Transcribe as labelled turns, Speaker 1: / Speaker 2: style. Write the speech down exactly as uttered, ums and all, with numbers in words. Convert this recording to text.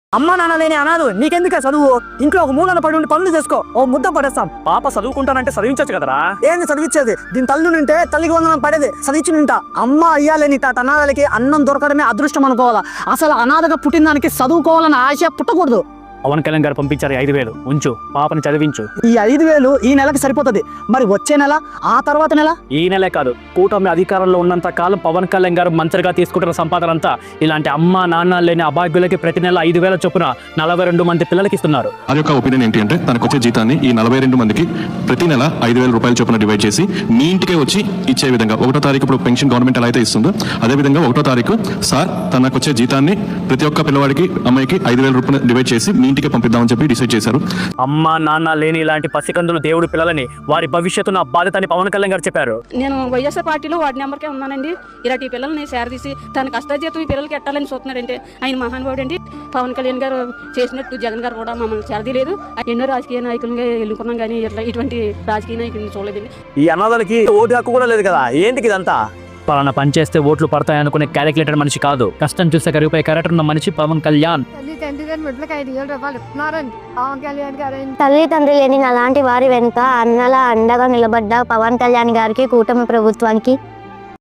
Speaker 1: అమ్మ నాన్న లేని అనాథు నీకెందుకే చదువు? ఇంట్లో ఒక మూలన పడి ఉండి పనులు చేసుకో, ఓ ముద్ద పడేస్తాం.
Speaker 2: పాప చదువుకుంటానంటే చదివించచ్చు కదరా.
Speaker 1: ఏంది చదివించేది? దీని తల్లి నింటే తల్లికి వందనం పడేది చదివించి నింటా. అమ్మ అయ్యాలని తాత అనాథలకి అన్నం దొరకడమే అదృష్టం అనుకోవాలా. అసలు అనాథగా పుట్టిన దానికి చదువుకోవాలని ఆశ పుట్టకూడదు.
Speaker 2: పవన్ కళ్యాణ్ గారు పంపించారు ఐదు వేలు ఉంచు, పాపని చదివించు.
Speaker 1: ఈ ఐదు వేలు ఈ నెలకి సరిపోతుంది. మరి వచ్చే నెల, ఆ తర్వాత నెల?
Speaker 2: ఈ నెలే కాదు, కూటమి అధికారంలో ఉన్నంత కాలం పవన్ కళ్యాణ్ గారు మంత్రిగా తీసుకుంటున్న సంపాదన అంతా ఇలాంటి అమ్మ నాన్న లేని అభాగ్యులకి ప్రతి నెల ఐదు వేల చొప్పున నలభై రెండు మంది పిల్లలకి ఇస్తున్నారు.
Speaker 3: అది యొక్క ఒపీనియన్ ఏంటి అంటే, తనకు వచ్చే జీతాన్ని ఈ నలభై రెండు మందికి ప్రతి నెల ఐదు వేల రూపాయల చొప్పున డివైడ్ చేసి మీ ఇంటికే వచ్చి ఇచ్చే విధంగా, ఒకటో తారీఖు ఇప్పుడు పెన్షన్ గవర్నమెంట్ ఎలా అయితే ఇస్తుందో అదే విధంగా ఒకటో తారీఖు సార్ తనకు వచ్చే జీతాన్ని ప్రతి ఒక్క పిల్లవాడికి అమ్మాయికి ఐదు వేల రూపాయలు డివైడ్ చేసి మీ ఇంటికే పంపిద్దామని చెప్పి డిసైడ్ చేశారు.
Speaker 2: అమ్మ నాన్న లేని ఇలాంటి పసికందులు దేవుడు పిల్లలని వారి భవిష్యత్తును బాధ్యతని పవన్ కళ్యాణ్ గారు చెప్పారు.
Speaker 4: నేను వైఎస్ఆర్ పార్టీలో వార్డు నెంబర్కే ఉన్నానండి. ఇలాంటి పిల్లల్ని సేరదీసి తన కష్టజీతం ఈ పిల్లలకి ఎట్టాలని చూస్తున్నాడంటే ఆయన మహానుభావుడు అండి. పవన్ కళ్యాణ్ గారు చేసినట్టు జగన్ గారు కూడా మమ్మల్ని సేరదీయలేదు. ఎన్నో రాజకీయ నాయకులుగా ఎన్నుకున్నాం కానీ ఇట్లా ఇటువంటి రాజకీయ నాయకులను చూడలేదండి.
Speaker 1: ఈ అనాథలకి ఓటు హక్కు కూడా లేదు కదా, ఏంటికి ఇదంతా?
Speaker 2: పలానా పని చేస్తే ఓట్లు పడతాయి అనుకునే క్యాలిక్యులేటర్ మనిషి కాదు, కష్టం చూస్తే కరిగిపోయే క్యారెక్టర్ ఉన్న మనిషి పవన్ కళ్యాణ్.
Speaker 5: తల్లి తండ్రి లేని అలాంటి వారి వెనుక అన్నల అండగా నిలబడ్డ పవన్ కళ్యాణ్ గారికి, కూటమి ప్రభుత్వానికి